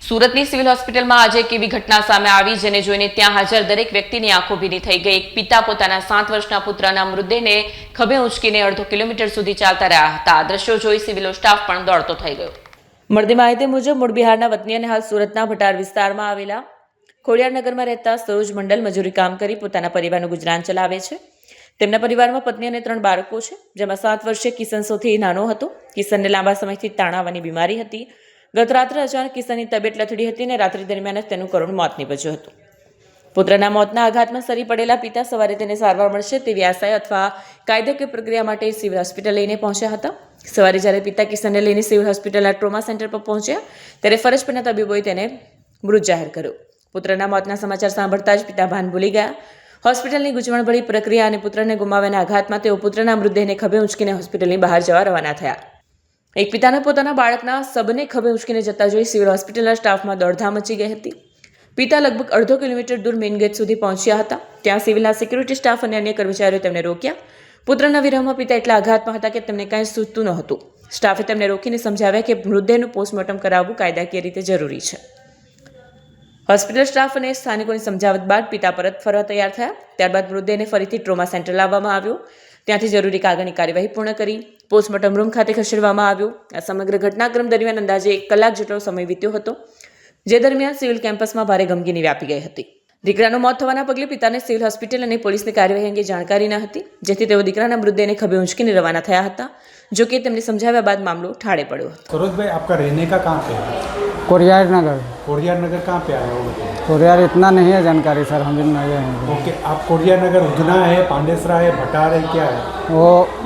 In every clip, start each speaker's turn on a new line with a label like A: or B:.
A: સુરતની સિવિલ હોસ્પિટલમાં આજે એક એવી ઘટના સામે આવી જેને જોઈને ત્યાં હાજર દરેક વ્યક્તિની આંખો ભીની થઈ ગઈ। એક પિતા પોતાના 7 વર્ષના પુત્રના મૃતદેહને ખભે ઉંચકીને અડધો કિલોમીટર સુધી ચાલતા રહ્યા હતા। આ દ્રશ્યો જોઈ સિવિલનો સ્ટાફ પણ દોડતો થઈ ગયો। મળતી માહિતી મુજબ મૂળ બિહારના વતની અને હાલ સુરતના ભટાર વિસ્તારમાં આવેલા ખોડિયારનગરમાં રહેતા સરોજ મંડલ મજૂરી કામ કરી પોતાના પરિવારનું ગુજરાન ચલાવે છે। તેમના પરિવારમાં પત્ની અને 3 બાળકો છે, જેમાં 7 વર્ષીય કિશન સૌથી નાનો હતો। કિશનને લાંબા સમયથી તાણાવાની બીમારી હતી। ગત રાત્રે અચાનક કિશનની તબિયત લથડી હતી અને રાત્રિ દરમિયાન જ તેનું કરુણ મોત નીપજ્યું હતું। પુત્રના મોતના આઘાતમાં સરી પડેલા પિતા સવારે તેને સારવાર મળશે તેવી આશાએ અથવા કાયદાકીય પ્રક્રિયા માટે સિવિલ હોસ્પિટલ લઈને પહોંચ્યા હતા। સવારે જ્યારે પિતા કિશનને લઈને સિવિલ હોસ્પિટલના ટ્રોમા સેન્ટર પર પહોંચ્યા ત્યારે ફરજ પરના તબીબોએ તેને મૃત જાહેર કર્યો। પુત્રના મોતના સમાચાર સાંભળતા જ પિતા ભાન ભૂલી ગયા। હોસ્પિટલની ગૂંચવણભરી પ્રક્રિયા અને પુત્રને ગુમાવવાના આઘાતમાં તેઓ પુત્રના મૃતદેહને ખભે ઉંચકીને હોસ્પિટલની બહાર જવા રવાના થયા। એક પિતાને પોતાના બાળકના શબને ખભે ઉંચકીને જતા જોઈ સિવિલ હોસ્પિટલના સ્ટાફમાં દોડધામ મચી ગઈ હતી। પિતા લગભગ અડધો કિલોમીટર દૂર મેઇન ગેટ સુધી પહોંચ્યા હતા। ત્યાં સિવિલના સિક્યુરિટી સ્ટાફ અને અન્ય કર્મચારીઓ તેમને રોક્યા। પુત્રના વિરહમાં પિતા એટલા આઘાતમાં હતા કે તેમને કાંઈ સૂઝતું નહોતું। સ્ટાફે તેમને રોકીને સમજાવ્યા કે મૃતદેહનું પોસ્ટમોર્ટમ કરાવવું કાયદાકીય રીતે જરૂરી છે। હોસ્પિટલ સ્ટાફ અને સ્થાનિકોની સમજાવટ બાદ પિતા પરત ફરવા તૈયાર થયા। ત્યારબાદ મૃતદેહને ફરીથી ટ્રોમા સેન્ટર લાવવામાં આવ્યો। ત્યાંથી જરૂરી કાગળની કાર્યવાહી પૂર્ણ કરી પોસ્ટમોર્ટમ રૂમ ખાતે ખસેડવામાં આવ્યો। આ સમગ્ર ઘટનાક્રમ દરમિયાન અંદાજે 1 કલાક જેટલો સમય વીત્યો હતો, જે દરમિયાન સિવિલ કેમ્પસમાં ભારે ગમગીની વ્યાપી ગઈ હતી। દીકરાનું મોત થવાના પગલે પિતાને સિવિલ હોસ્પિટલ અને પોલીસની કાર્યવાહી અંગે જાણકારી ન હતી, જેથી તેઓ દીકરાના મૃતદેહને ખભે ઉંચકીને રવાના થયા હતા। જો કે તેમને સમજાવ્યા બાદ મામલો ઠાળે પડ્યો હતો।
B: सरोज भाई, आपका रहने का कहाँ पे है?
C: कोरियार नगर।
B: कोरियार नगर कहाँ पे आया हो?
C: कोरियार इतना नहीं है जानकारी सर, हम भी नए हैं।
B: ओके, आप कोरियार नगर उधना है, पांडेसरा है, भटार है, क्या है?
C: वो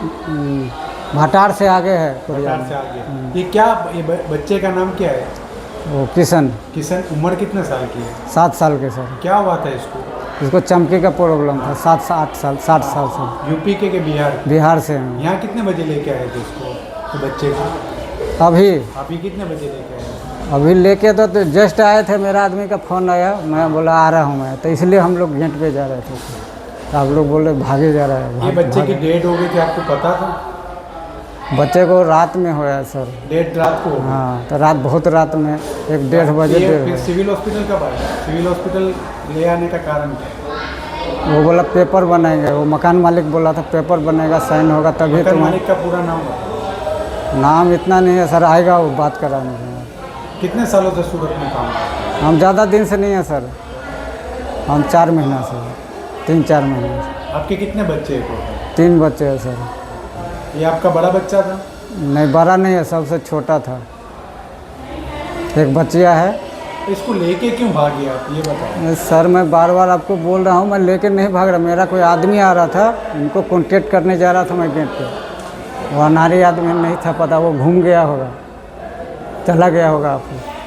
C: भटार से आगे है कोरियार।
B: भटार से आगे। ये क्या, ये बच्चे का नाम क्या है?
C: वो किशन।
B: किशन, उम्र कितने साल की है?
C: 7 साल के सर।
B: क्या हुआ था इसको?
C: इसको चमकी का प्रॉब्लम था। 7 से 8 साल, 60 साल से।
B: यूपी के बिहार?
C: बिहार से हैं।
B: यहाँ कितने बजे लेके आए थे इसको, तो बच्चे को?
C: अभी
B: अभी कितने बजे लेके आए?
C: अभी लेके तो जस्ट आए थे, मेरा आदमी का फ़ोन आया, मैं बोला आ रहा हूँ मैं, तो इसलिए हम लोग गेट पे जा रहे थे। तो आप लोग बोले भागे जा रहा है।
B: ये बच्चे की डेट हो गई थी, आपको पता था?
C: बच्चे को रात में होया सर।
B: डेट रात को?
C: हाँ, तो रात बहुत रात में 1-1:30 बजे।
B: फिर सिविल हॉस्पिटल कब आया? सिविल हॉस्पिटल ले आने का कारण क्या?
C: वो बोला पेपर बनाएंगे, वो मकान मालिक बोला था पेपर बनेगा, साइन होगा तभी
B: मकान
C: तो।
B: मालिक का पूरा नाम बताओ।
C: नाम इतना नहीं है सर, आएगा वो बात कराने के।
B: कितने सालों से सूरत में काम करते हैं?
C: हम ज़्यादा दिन से नहीं है सर, हम 4 महीना से, 3-4 महीने से।
B: आपके कितने बच्चे हैं?
C: 3 बच्चे हैं सर।
B: ये आपका बड़ा बच्चा था?
C: नहीं, बड़ा नहीं है, सबसे छोटा था। एक बच्चिया है।
B: इसको लेके क्यों भागे आप, ये बताओ।
C: सर मैं बार बार आपको बोल रहा हूँ, मैं लेके नहीं भाग रहा। मेरा कोई आदमी आ रहा था, उनको कॉन्टेक्ट करने जा रहा था मैं गेट पे। वो अनारी आदमी नहीं था पता, वो घूम गया होगा, चला गया होगा आपको।